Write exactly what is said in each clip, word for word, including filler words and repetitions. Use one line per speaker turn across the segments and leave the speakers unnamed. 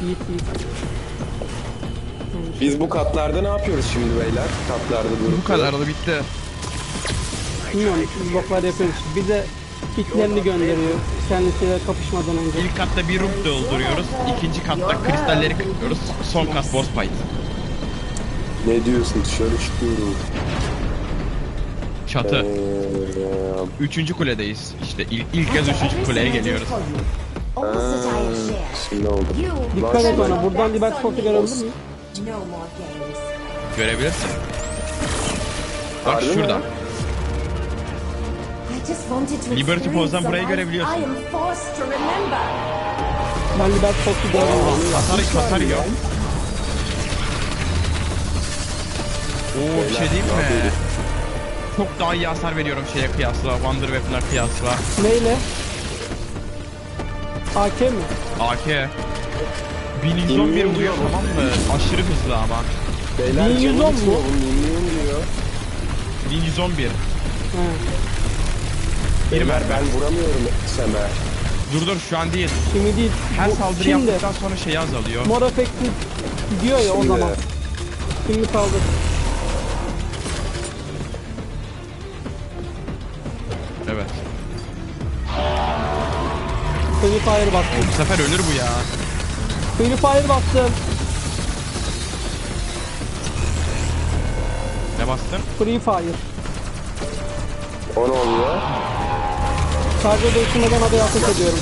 Yiğit yiğit.
Biz bu katlarda ne yapıyoruz şimdi beyler? Katlarda durup.
Bu kadar da bitti.
Bilmiyorum, bloklar yapıyoruz. Bir de kitlerini gönderiyor kendisiyle kapışmadan önce.
İlk katta bir ruh dolduruyoruz. İkinci katta kristalleri kırıyoruz. Son kat boss fight.
Ne diyorsun, dışarı çıkıyorum.
Çatı.
Ee,
Üçüncü kuledeyiz. İşte ilk, ilk kez üçüncü kuleye geliyoruz.
Aa, şimdi oldu.
Dikkat et ona. Buradan Liberty Force'u görebilir miyim?
Görebilirsin. Bak
Harbi mi?
şurada. Liberty Pose'dan burayı görebiliyorsun.
Ben Liberty Force'u göremiyorum.
Hasar, hasar yiyor. Oo, bir şey diyeyim mi? Çok daha iyi hasar veriyorum şeye kıyasla, Wonder Weapon'a kıyasla.
Neyle? A K mi?
A K. bin yüz on bir vuruyor, tamam mı? Aşırı hızlı ama.
Beyler
bin yüz on
canım
mu?
gitmiyor, bu minyon diyor.
bin yüz on bir.
He.
Beyler ben vuramıyorum Semer.
Dur dur, şu an değil.
Şimdi değil.
Her
Bu-
saldırı
şimdi
yaptıktan sonra şey azalıyor.
mor efekti gidiyor ya o
Şimdi.
zaman. Şimdi kaldı.
Evet.
Free Fire bastım.
Bu sefer ölür bu ya.
Free Fire bastım.
Ne bastın?
Free Fire.
O ne oluyor?
Sadece değiştirmeden haber ateş ediyorum.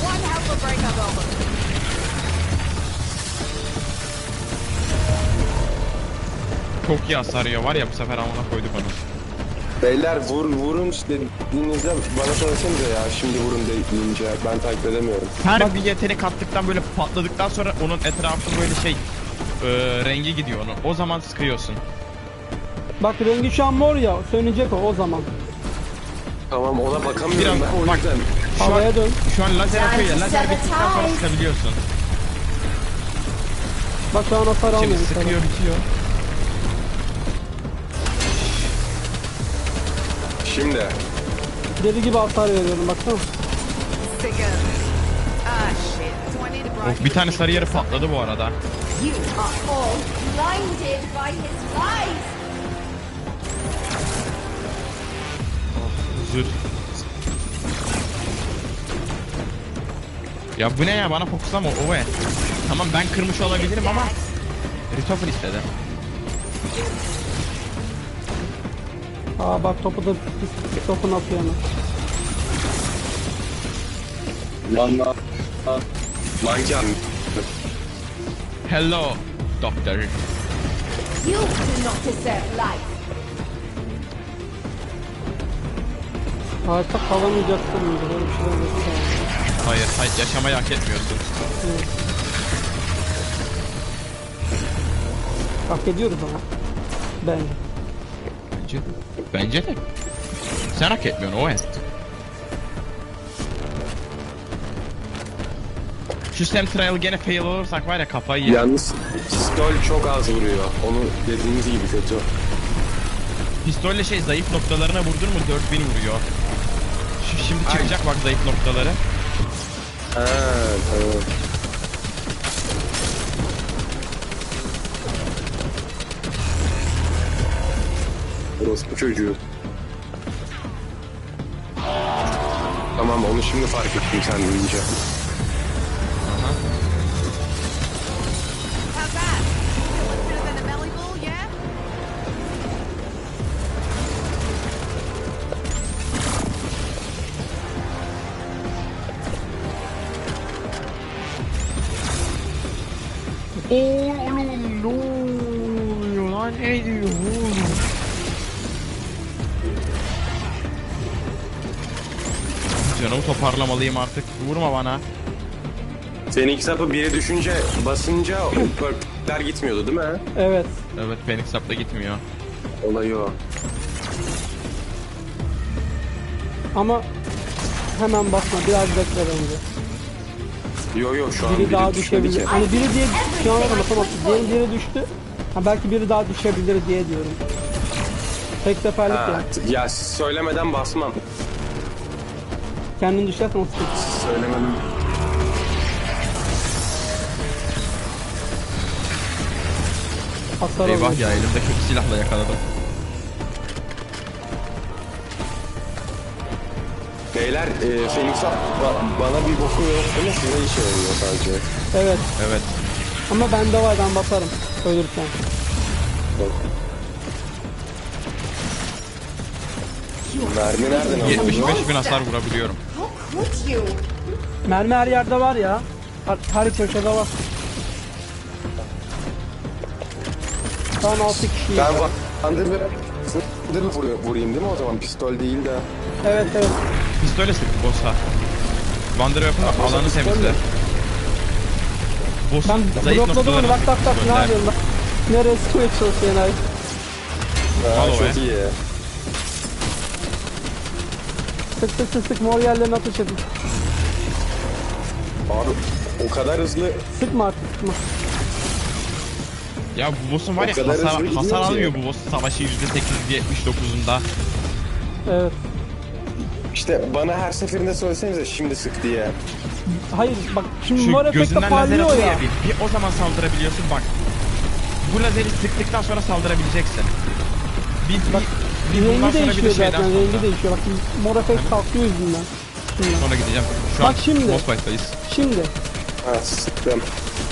Çok iyi hasar yiyor var ya, bu sefer amına koyduk onu.
Beyler vur vurun dediğinizde bana söylesanıza ya, şimdi vurun deyince ben takip edemiyorum.
Her bir yetenek attıktan böyle patladıktan sonra onun etrafı böyle şey e, rengi gidiyor onun. O zaman sıkıyorsun.
Bak rengi şu an mor ya. Sönecek o o zaman.
Tamam, ona bakamıyorum
Biraz
ben o
bak.
yüzden.
Şu an,
Havaya dön.
şu an lazer atıyor ya, lazer bittikten sonra sıkabiliyorsun.
Bak şu an hasar
Şimdi
almıyorum.
sıkıyor, bitiyor.
Şimdi.
Deli gibi hasar veriyorum baksana.
Of, bir tane sarı yarı patladı bu arada.
You are all blinded by his lies.
Zır. Ya bu ne ya, bana fokuslama o ve. Tamam ben kırmış olabilirim ama Ritofer istedi.
Aa bak topu da pis pis topunu atıyor hemen.
Valla. Manken.
Hello doctor.
You do not deserve life.
Hayatta kalamayacaksın mıydı? Böyle bir şeyler yok.
Hayır, hayır, yaşamayı hak etmiyorsun.
Hak ediyoruz ama. Bence.
Bence de. Bence de. Sen hak etmiyorsun o et. Şu Sam Trial gene fail olursak var ya, kafayı yer.
Yalnız pistol çok az vuruyor. Onu dediğiniz gibi kötü.
Pistolle şey zayıf noktalarına vurdun mu dört bin vuruyor. Şu şimdi çıkacak bak zayıf noktaları.
Ha, tamam. Orospu çocuğu. Tamam, onu şimdi fark ettim sen deyince.
How's that? Feeling better than a belly bull, yeah?
Oğlum ne oluyor lan, ne diyor oğlum? Canımı toparlamalıyım artık, vurma bana.
Seninki sapı biri düşünce basınca o perkler gitmiyordu değil mi?
Evet.
Evet, Phoenix Sap'ta gitmiyor.
Olayı o.
Ama hemen basma. Biraz bekle bence.
Yo yo, şu an
Biri
biri
daha
düşmedi
düşebilir.
ki.
Hani biri diye şu an basamam. Diğeri diğeri düştü. Ha belki biri daha düşebilir diye diyorum. Tek seferlik
Ha,
ya.
t- ya söylemeden basmam.
Kendin düşersen o sıkıntı.
Söylemedim.
Hasar
Eyvah
alıyor.
ya, elimde kötü silahla yakaladım.
Beyler e, Phoenix ba- bana bir boku yok değil mi? Size işe yarıyor sadece.
Evet.
Evet.
Ama bende var, ben basarım. Ölürsen.
Bak. Mermi nereden aldın?
yetmiş beş bin hasar vurabiliyorum.
How could you?
Mermi her yerde var ya. Her, her köşede var. Şu an altı kişiyiz.
Ben Wonder'ı Wonder'ı vuruyor- vurayım değil mi o zaman? Pistol değil de.
Evet evet.
Pistole sık boss'a. Wander yapın bak, alanı
pistol
temizle.
mi?
Boss'un
Ben
zayıf
blokladım onu,
noktalarını
bak bak bak, ne
gönder.
yapıyorsun bak. Nereye sıkmaya çalışıyorsun ay.
Ha,
Al o
çok
be.
iyi.
Sık sık sık sık, mor yerlerine ateş edin.
Abi o kadar hızlı
Sıkma artık, sıkma.
Ya bu boss'un var
O
ya,
kadar
hasar,
hızlı gidiyor
hasar
ki.
almıyor bu boss savaşı yüzde sekiz yetmiş dokuzunda.
Evet.
işte bana her seferinde söylesenize şimdi sık diye.
Hayır bak, şimdi
Şu
mor efekte
gözünden lazer
parlıyor
atıyor
ya.
ya, bir, bir o zaman saldırabiliyorsun bak. Bu lazeri sıktıktan sonra saldırabileceksin. Bir, bir,
Bak,
bir bundan
rengi
sonra bir
değişiyor
de şeyden
zaten,
sonra.
rengi değişiyor. Bak mor efekt kalkıyor yüzünden. Şimdi.
Sonra gideceğim. Şu
Bak
an
şimdi.
boss fight'tayız.
Şimdi.
Ha sıktım.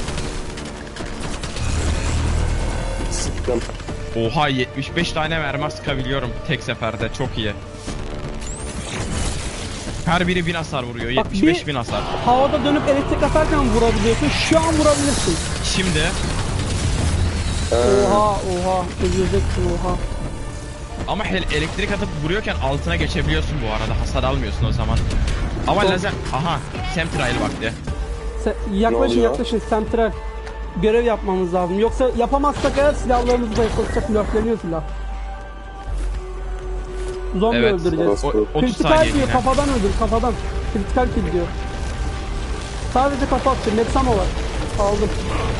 Sıktım.
Oha, yetmiş beş tane mermi sıkabiliyorum tek seferde, çok iyi. Her biri bin hasar vuruyor,
Bak,
yetmiş beş
bir-
bin hasar.
Havada dönüp elektrik atarken vurabiliyorsun. Şu an vurabilirsin.
Şimdi
Oha oha. Öleceksin oha.
ama hel- elektrik atıp vuruyorken altına geçebiliyorsun bu arada, hasar almıyorsun o zaman. Ama
Çok-
lazer, aha, Semtrail vakti.
Se- yaklaşın
oluyor?
yaklaşın, sentral. Görev yapmamız lazım. Yoksa yapamazsak eğer silahlarımızı da yaklaşacak, blöfleniyor silah. Zombi
Evet.
öldüreceğiz.
O, otuz
Kritikal
saniye
diyor,
yine.
kafadan öldür, kafadan. Kritikal kill diyor. Sadece kafa atacağım, Nexama var. Aldım.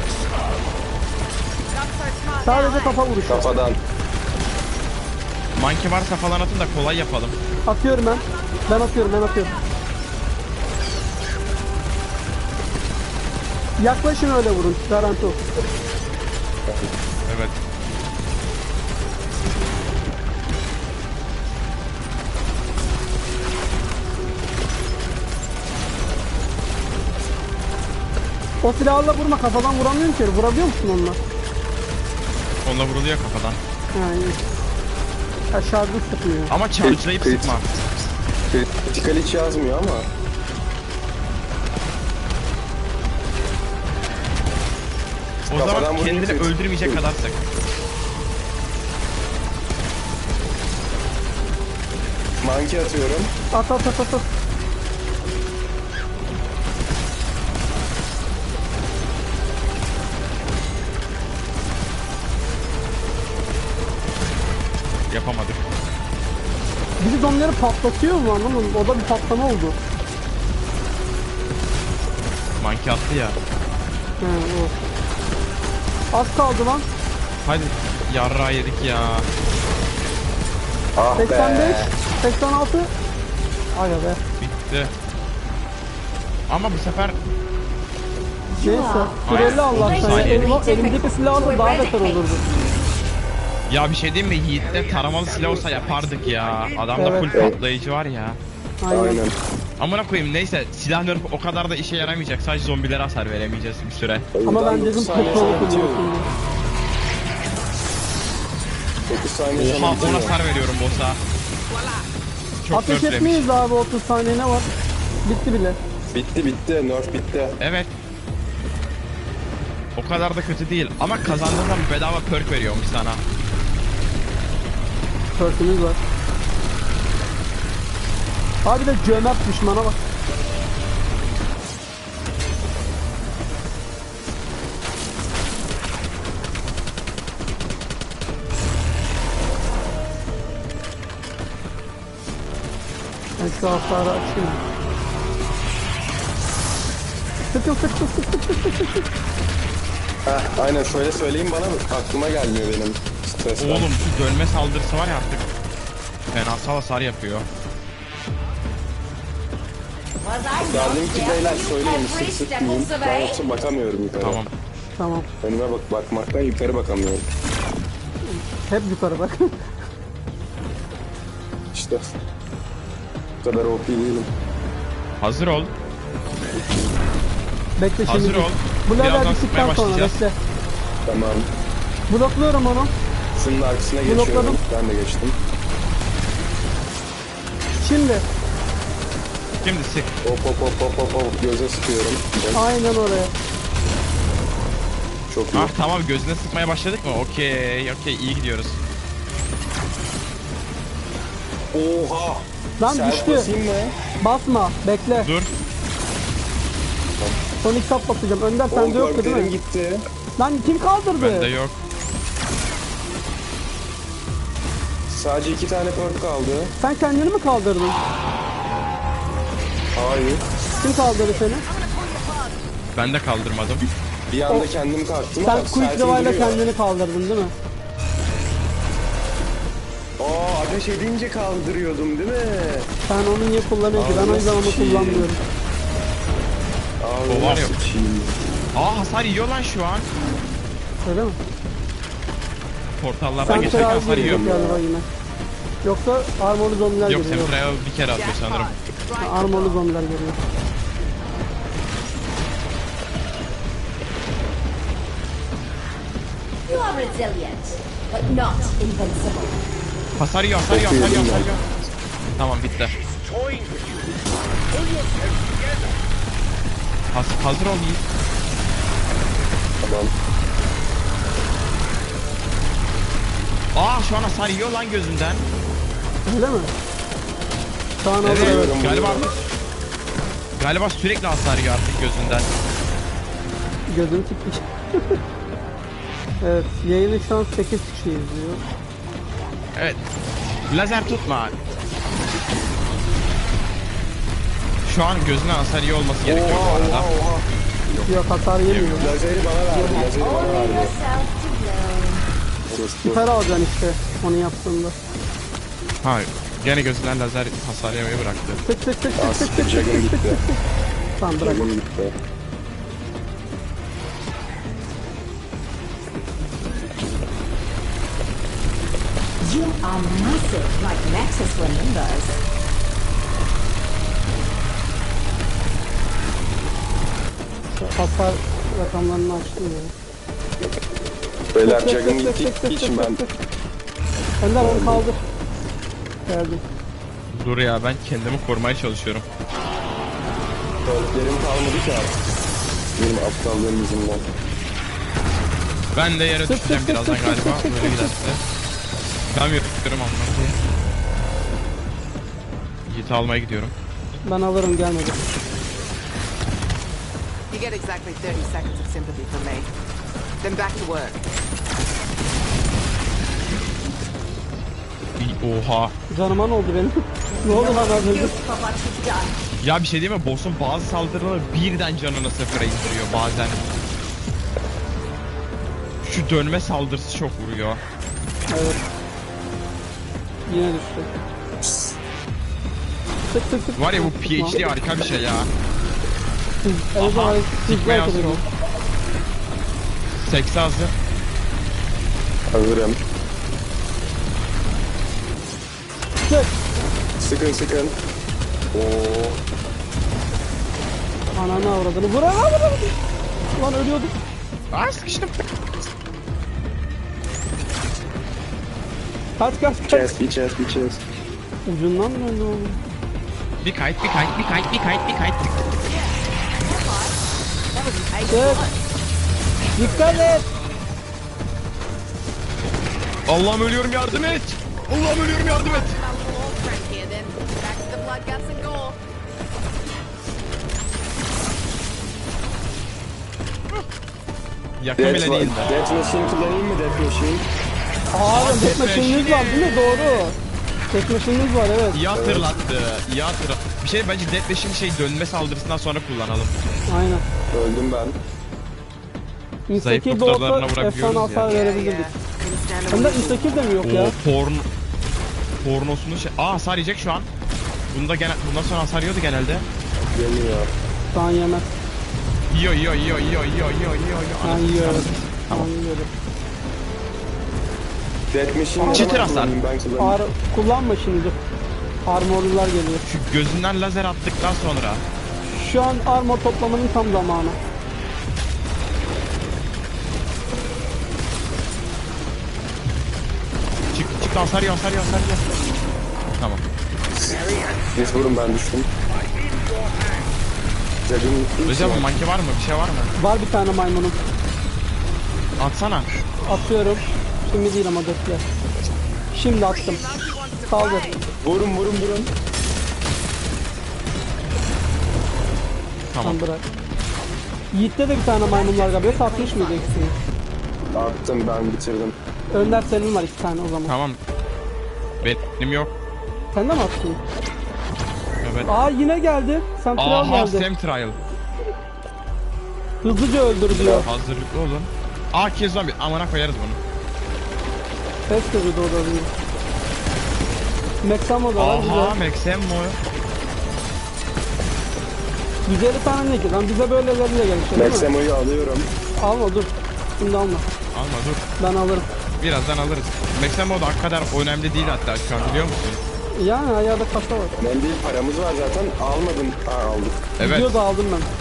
Sadece kafa vuruşu.
Kafadan.
Monkey varsa falan atın da kolay yapalım.
Atıyorum ben. Ben atıyorum, ben atıyorum. Yaklaşın öyle vurun, garanti o.
Evet.
O silahla vurma, kafadan vuramıyorum ki. Vurabiliyor musun onunla?
Onunla vuruluyor kafadan.
Yani. Aşağıda sıkıyor.
Ama charge'layıp
Krit-
sıkma.
Kritikal hiç yazmıyor ama.
O
Kafadan
zaman
vurunca
kendini
kritik-
öldürmeyecek kadar sık.
Monkey atıyorum.
At at at at at.
Yapamadık.
Biri zombileri patlatıyor mu, anlamadım. O da bir patlama oldu.
Monkey attı ya.
He o. Az kaldı lan.
Hadi yarrağı yedik ya.
Ah
seksen beş,
be.
seksen altı. Ay be.
Bitti. Ama bu sefer
Neyse. Süreli Allah'tan. Ya.
saniye.
Elim, elimdeki silahla daha beter olurdu.
ya bir şey diyeyim mi, Yiğit'te taramalı silah olsa yapardık ya. Adamda
Evet.
full patlayıcı var ya.
Aynen.
Aynen.
Amına koyayım, neyse, silah nerf o kadar da işe yaramayacak. Sadece zombilere hasar veremeyeceğiz bir süre.
Ama ben dedim
dokuz saniye
petrolü
sonra bitiyor.
kullanıyorsun diye.
dokuz saniye sonra
Oha,
bitiyor.
on hasar veriyorum boss'a. Çok
Ateş
nerflemiş.
etmeyiz abi, otuz saniye ne var? Bitti bile.
Bitti bitti. Nerf bitti.
Evet. O kadar da kötü değil ama kazandığın zaman bedava perk veriyormuş sana.
Perk'ümüz var. Abi de cömert düşmana bak. Ben şu hasarı açayım. Sıkın sıkın sıkın sıkın sıkın sıkın.
Heh, aynen şöyle söyleyeyim bana aklıma gelmiyor benim. Stresten.
Oğlum şu dönme saldırısı var ya artık. Fenasal hasar yapıyor.
Was I
Yardım
not
ki
there
beyler
when you
söyleyin sık
every
sık
step
diyeyim.
of the
Ben
way?
yoksa bakamıyorum yukarı.
Tamam.
Tamam.
Önüme bak bakmaktan yukarı bakamıyorum.
Hep yukarı bak.
İşte. Bu kadar O P değilim.
Hazır ol.
Bekle şimdi.
Hazır ol.
Bu level
Birazdan
bittikten
sıkmaya
sonra
başlayacağız.
bekle.
Tamam.
Blokluyorum onu.
Şunun arkasına geçiyorum.
Blokladım.
Ben de geçtim.
Şimdi.
Şimdi sık.
Hop hop hop hop hop hop. Göze sıkıyorum.
Aynen oraya.
Çok iyi.
Ah tamam, gözüne sıkmaya başladık mı? Okey okey, iyi gidiyoruz.
Oha.
Lan
Self
düştü.
basayım mı?
Basma. Bekle.
Dur.
Son iki sap basacağım. Önder
O
sende yoktu değil
görklerim
mi?
gitti.
Lan kim kaldırdı?
Bende yok.
Sadece iki tane perk kaldı.
Sen kendini mi kaldırdın?
Hayır.
Kim kaldırdı seni?
Ben de kaldırmadım.
Bir anda kendim kalktım
Sen
ama
quick
selfie
revive'la
duruyor.
kendini kaldırdın değil mi?
Aa, ateş edince kaldırıyordum değil mi?
Sen onu niye kullanıyorsun? Ben o yüzden onu
Ağzına
kullanmıyorum.
Aa,
O var ya.
sıçayım.
Aa, hasar yiyor lan şu an.
Öyle mi?
Portallardan
Sen
geçerken
terazi
hasar yiyor.
gelecek galiba yine. Yoksa armorlu zombiler
Yok,
geliyor.
Semtra'ya bir kere atıyor sanırım.
Ha, armorlu zombiler geliyor.
You are resilient, but not invincible.
Hasar yiyor, hasar yiyor, hasar yiyor, hasar yiyor. Tamam, bitti. Has hazır ol Yiğit.
Tamam.
Aa, şu an hasar yiyor lan gözünden.
Öyle mi? Şu an
Evet,
hazır, evet.
galiba artık. Galiba sürekli hasar yiyor artık gözünden.
Gözüm çıkmış. Evet, yayını şu an sekiz kişi izliyor.
Evet. Lazer tutma. Şu an gözünden hasar yiyor olması gerekiyor bu
Oha
arada.
oha oha.
Yok, hasar yemiyor.
Lazeri bana verdi. Lazeri bana
Only
verdi.
yourself to blame.
Sus,
Süper alacaksın işte onu yaptığında.
Ha, gene gözünden lazer hasar yemeyi bıraktı.
Tık tık tık
Aa,
tık tık
siktir,
tık
Jag'ım
tık tık
gitti.
tık. Tamam bırak.
Jag'ım gitti.
You are massive, like Nexus remembers.
Hasar rakamlarını açtım ya.
Beyler
Tık tık
Jag'ım
tık tık
gitti.
tık
için
tık
ben.
tık. Önder onu kaldır. Geldim.
Dur ya, ben kendimi korumaya çalışıyorum.
Perklerim kalmadı ki artık. Benim aptallığım yüzünden.
Ben de yere
Tık
düşeceğim
tık tık
birazdan
tık
galiba,
tık tık
böyle
tık
giderse. Çıkamıyorum anlamda. Yiğit'i almaya gidiyorum.
Ben alırım, gelmedi.
You get exactly thirty seconds of sympathy from me. Then back to work.
İyi, oha.
Canıma ne oldu benim? Ne oldu lan az önce?
You for what you've done.
Ya bir şey değil mi? Boss'un bazı saldırıları birden canını sıfıra indiriyor bazen. Şu dönme saldırısı çok vuruyor.
Evet. Yine düştü. Tık tık tık.
Var ya, bu P H D harika bir şey ya.
Evet,
Aha,
evet,
sikmeye
evet,
hazır ol. Sekse hazır.
Hazırım.
Tık.
Sıkın sıkın. Oo.
Ananı avradını. Vur lan vur lan. Lan ölüyordum.
Aa, sıkıştım.
Kaç kaç kaç.
Chest, bir chest, bir chest.
Ucundan döndü oğlum.
Bir kayıt, bir kayıt, bir kayıt, bir kayıt, bir kayıt.
Tık. Dikkat et.
Allah'ım ölüyorum, yardım et. Allah'ım ölüyorum, yardım et.
Old friend here then. Back to the blood, guts and gore.
Yakın
Death,
bile değil de.
Death Machine kullanayım mı Death Machine?
Aa,
Death
tek maşininiz var değil mi? Doğru. Tek maşininiz var, evet.
İyi hatırlattı, iyi hatırlattı. Bir şey, bence Death Machine şey dönme saldırısından sonra kullanalım.
Aynen.
Öldüm ben.
Zayıf
Instakil de
noktalarına
olsa
vurabiliyoruz
efsane
ya.
hasar
Yeah,
verebilirdik.
yeah. Couldn't stand
Hem de
a whistle.
instakil de mi yok ya?
O porn... Pornosunu şey... Aa, hasar yiyecek şu an. Bunda gene... Bundan sonra hasar yiyordu genelde.
Yemiyor.
Şu an yemez.
Yiyor, yiyor, yiyor, yiyor, yiyor, yiyor, yiyor, yiyor.
Şu an
Anasını
yiyor, evet.
satayım.
Şu an
Tamam.
yiyor.
Death Machine'i
Çıtır
ben
hasar.
kullanayım, ben kullanayım.
Ar kullanma şimdi. Armorlular geliyor.
Şu gözünden lazer attıktan sonra.
Şu an armor toplamanın tam zamanı.
Çık çık hasar yiyor hasar yiyor hasar yiyor. Tamam.
Siz vurun, ben düştüm. Jug'ın
Recep abi manki var mı? Bir şey var mı?
Var bir tane maymunum.
Atsana.
Atıyorum. Şimdi değil ama bekle. Şimdi attım. Saldır.
Vurun vurun vurun.
Tamam.
Tamam bırak. Yiğit'te de bir tane maymun var galiba. Satmış mıydı ikisini?
Attım, ben bitirdim.
Önder senin var iki tane o zaman.
Tamam. Benim yok.
Sen de mi attın?
Evet.
Aa yine geldi. Sentral
Aha
geldi.
Sam Trial.
Hızlıca öldür diyor.
Hazırlıklı olun. Aa ki zombi. Amına koyarız bunu.
Ses kırdı o da diyor. Meksamo da var
Aha
güzel.
Maxem mo.
yüz elli tane ne ki? Lan bize böyleleriyle gelmiş değil mi?
Maximo'yu alıyorum.
Alma dur. Şimdi alma.
Alma dur.
Ben alırım.
Birazdan alırız. Maxem o da o kadar önemli değil hatta şu an biliyor musun?
Yani ayağda kasa var.
Ben değil, paramız var zaten. Almadım. Ha, aldık.
Evet.
Video da aldım ben.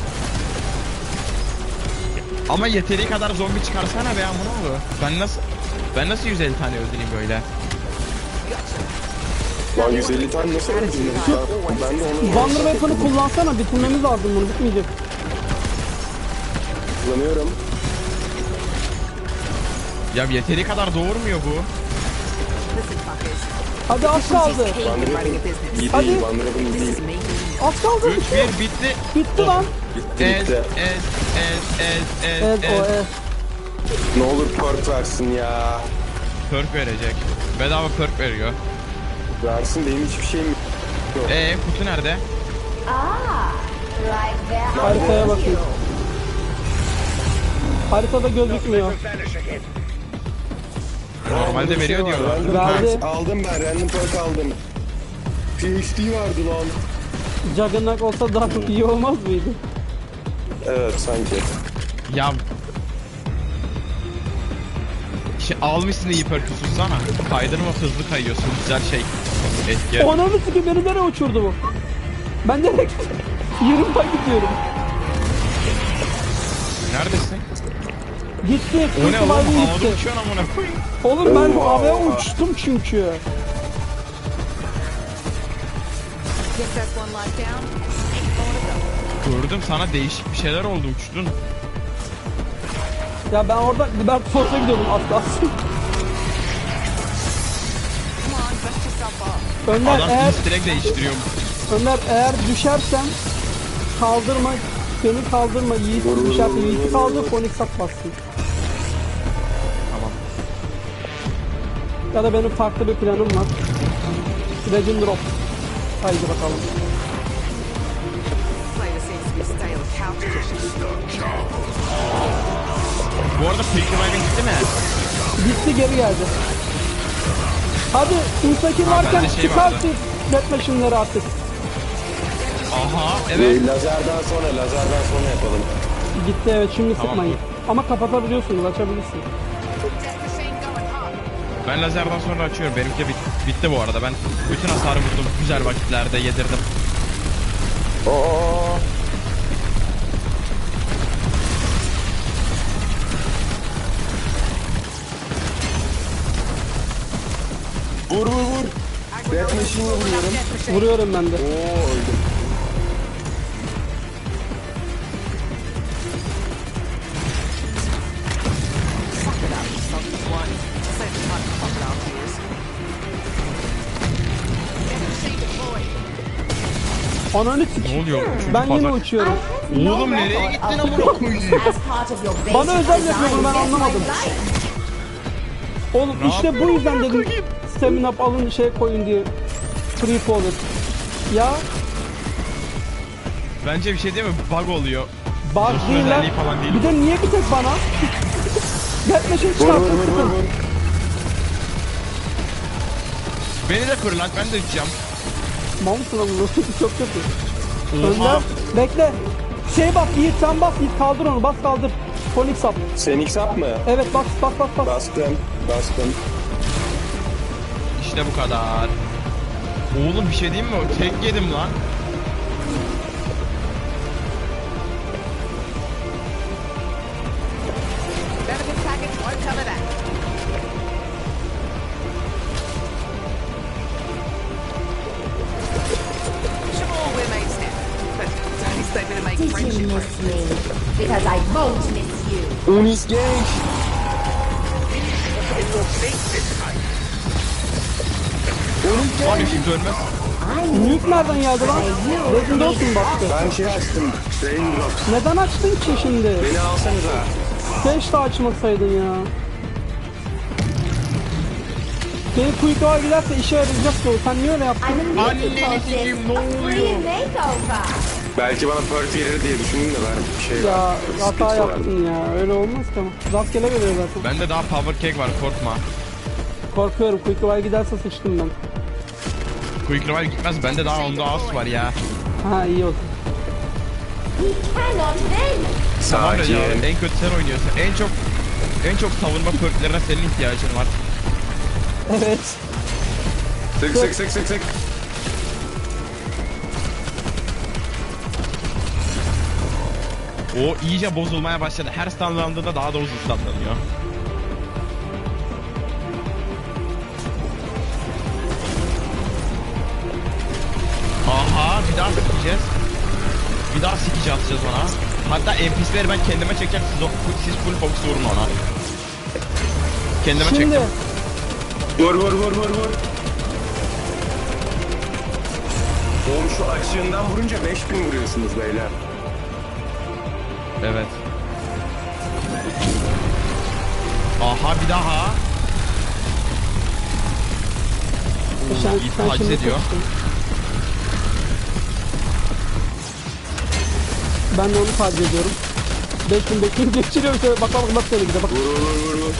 Ama yeteri kadar zombi çıkarsana be amına oldu. Ben nasıl ben nasıl yüz elli tane öldüreyim böyle?
Lan yüz elli tane nasıl öldürdün? Ben de onu
Wonder Weapon'ı kullansana. Bitirmemiz lazım bunu. Bitmeyecek.
kullanıyorum.
Ya yeteri kadar doğurmuyor bu.
Listen, fuckers.
Hadi az kaldı.
Van
Running a
Rippen
business.
iyi
Hadi.
değil, Van Rippen iyi
This
değil.
is me.
Az kaldı.
üç bir bitti.
Bitti lan.
Gitti
Ez
gitti.
ez ez ez
Evet
ez
o
ez.
evet.
Ne olur perk versin ya.
Perk verecek. Bedava perk veriyor.
Versin, benim hiçbir şeyim yok.
Ee kutu nerede?
Ah, like that.
Haritaya bakayım. Haritada gözükmüyor.
Normalde veriyor diyorlar.
Random
Verdi.
perks aldım ben, random perk aldım. P H D vardı lan.
Juggernaut olsa daha çok iyi olmaz mıydı?
Evet sanki.
Ya şey, almışsın iyi perk'ü sussana. Kaydırma hızlı kayıyorsun. Güzel şey. Etki.
Ananı sikeyim beni nereye uçurdu bu? Ben nereye gittim? Yarımdan gidiyorum.
Neredesin?
Gitti.
O ne
Kırk
oğlum?
mavi
Havada
gitti.
uçuyorsun amına koyayım.
Oğlum ben
Oha.
havaya uçtum çünkü.
Guess that's one life down. Ain't more to go.
Gördüm sana değişik bir şeyler oldu uçtun.
Ya ben orada Liberty Force'a gidiyordum az kalsın.
Come on, dust yourself off.
Önder
Adam
eğer,
direkt değiştiriyor.
Önder eğer düşersen kaldırma, beni kaldırma Yiğit düşerse Yiğit'i kaldır, Phoenix at bassın.
Tamam.
Ya da benim farklı bir planım var. Legend Drop. Haydi bakalım.
Flavor seems to be stale couch cushions.
Bu arada Quick Revive'in gitti mi?
Gitti geri geldi. Hadi Instakil
Ha,
varken
bende şey
çıkarsın Death Machine'leri artık.
Aha evet.
Ee, lazerden sonra, lazerden sonra yapalım.
Gitti evet şimdi
Tamam,
sıkmayın.
dur.
Ama kapatabiliyorsunuz, açabilirsin.
Death machine going hot.
Ben lazerden sonra açıyorum. Benimki de bit bitti bu arada. Ben bütün hasarı vurdum. Güzel vakitlerde yedirdim.
Oo. Vur vur vur. Death Machine'e vuruyorum.
Death machine.
Vuruyorum ben de.
Oo öldüm.
Suck it up, selfish one. Save the time for crocodile tears. Death machine deployed.
Ananı
Ne
sikeyim.
oluyor? Üçüncü
Ben yine
fazla-
uçuyorum.
Oğlum nereye gittin amına koyayım?
As part of your basic
Bana özel
design,
yapıyor bunu, ben
that's
anlamadım.
my life.
Oğlum
Ne
işte bu
yapıyorum
yüzden
amına
dedim
koyayım?
stamina up alın şey koyun diye. Free forward. Ya
Bence bir şey değil mi? Bug oluyor.
bug
Zırhlı
değil lan.
özelliği falan değil
Bir de niye bir tek bana? Death Machine
Vur vur
çıkarttın
vur vur
sıkın.
vur.
Beni de fırlat ben de uçacağım.
Mamsın ama bu çok kötü.
Oha.
Önder bekle. Şey bas Yiğit sen bas Yiğit kaldır onu bas kaldır. Phoenix up.
Sen X up mı?
Evet bas bas bas bas.
Bastım. Bastım.
İşte bu kadar. Oğlum bir şey diyeyim mi? Tek yedim lan.
Benefit package won't cover that. Sure, we're mates now, but don't expect me to make
Did you
friendship
miss
breakfast.
me? Because I won't miss you.
Unis genç. Unis
Lan
genç.
üşüntü ölmez.
Nuke nereden geldi lan? Legend olsun baktı.
Ben şey açtım. Raindrops.
Neden açtın ki şimdi?
Beni alsanıza.
Keşke açmasaydın ya. Senin kuyruğa giderse işe yarayacak ki o. Sen niye öyle yaptın?
I'm a
Anneni
little
sikeyim,
this
ne
a free
oluyor?
makeover.
Belki bana perk verir diye düşündüm de ben bir şey
Ya
var.
hata
Skills vardı.
yaptın ya. Öyle olmaz ki ama. Rastgele veriyor zaten.
Bende daha power cake var, korkma.
Korkuyorum. Kuyruğa giderse sıçtım ben.
Quick Revive gitmez, bende daha onda az var ya.
Ha iyi olsun.
We cannot win.
Tamam da ya,
Sakin.
en kötü sen oynuyorsun. En çok en çok savunma perklerine senin ihtiyacın var.
Evet.
Sık sık sık sık sık.
O iyice bozulmaya başladı. Her stunlandığında daha da uzun stunlanıyor. Aha, bir daha sikeceğiz. Bir daha sikici atacağız ona. Hatta N P C'leri ben kendime çekeceğim. Siz, o- siz full focus vurun ona. Kendime
Şimdi
çektim.
Vur vur vur vur vur. Oğlum şu açığından vurunca beş bin vuruyorsunuz beyler.
Evet. Aha, bir daha.
sen,
iyi
sen
taciz
şimdi
ediyor.
sıçtın. Ben de onu taciz ediyorum. beş bin beş bin geçiriyorum şöyle bak bak bak şöyle gidiyor bak.
Vur vur vur vur.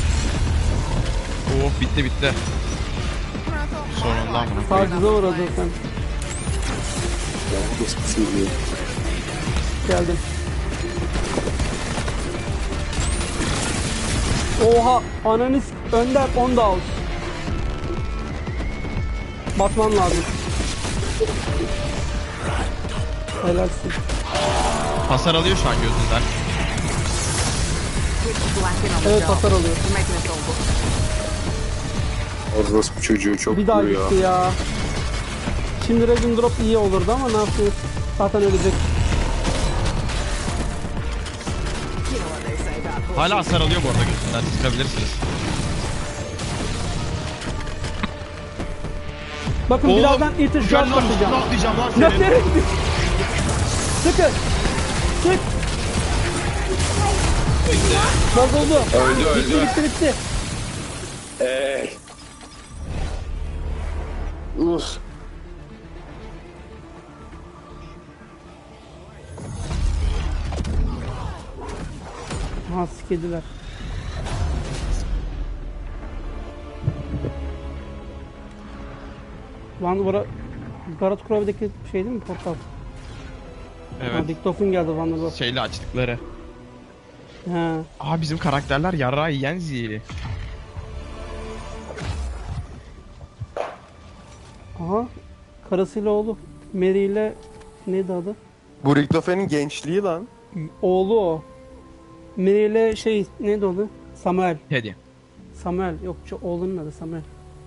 Oh, bitti bitti. Sonunda mı?
Tacize uğradın sen. Geldim. Oha ananız önder on da out. Batman lazım. Helalsin.
Hasar alıyor şu an gözünden.
Switch black in on the
Evet
job.
hasar alıyor.
You're making us all look.
Orospu çocuğu çok
Bir daha
vuruyor.
gitti ya. Şimdi Regen Drop iyi olurdu ama ne yapıyoruz? Zaten ölecek.
You know what they say about horses.
Hala hasar alıyor bu arada gözünden. Sıkabilirsiniz.
Bakın
Oğlum,
birazdan Eater Shot
Canlar
atacağım.
üstüne atlayacağım lan
Ne
senin.
nereye gidiyor? Sıkın. Sık. Bozuldu.
Öldü
Bitti
öldü.
bitti bitti.
Eee. Uf.
Ha sikediler. Van Vora Garat Kurov'daki şey değil mi portal?
Evet.
Ha, Diktofon geldi Van Vora.
Şeyle açtıkları.
He.
Aa, bizim karakterler yarrağı yiyen zi.
Aha. Karısıyla oğlu. Mary ile neydi adı?
Bu Richtofen'in gençliği lan.
Oğlu o. Mary ile şey neydi adı? Samuel.
Hadi.
Samuel. Yok şu oğlunun adı Samuel.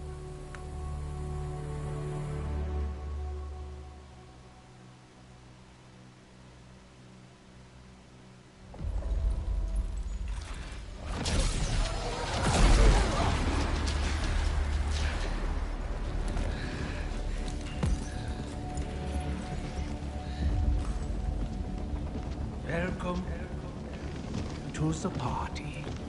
Welcome to the party.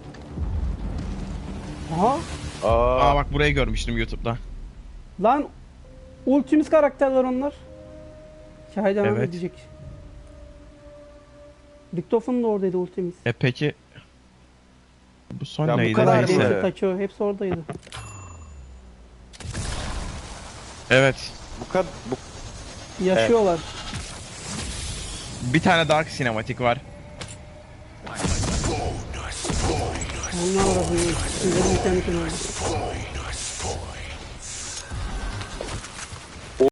Aha.
Aa.
Aa, bak burayı görmüştüm YouTube'da.
Lan Ultimus karakterler onlar. Hikaye devam
Evet.
edecek. Diktofon da oradaydı Ultimus.
E peki bu son
Ya bu
neydi?
kadar
Neyse.
mı?
Neyse. Taço hepsi oradaydı.
Evet.
Bu kadar bu
Yaşıyorlar.
Bir tane Dark sinematik var.
Onlar arasında. Sizlerin internetin oldu.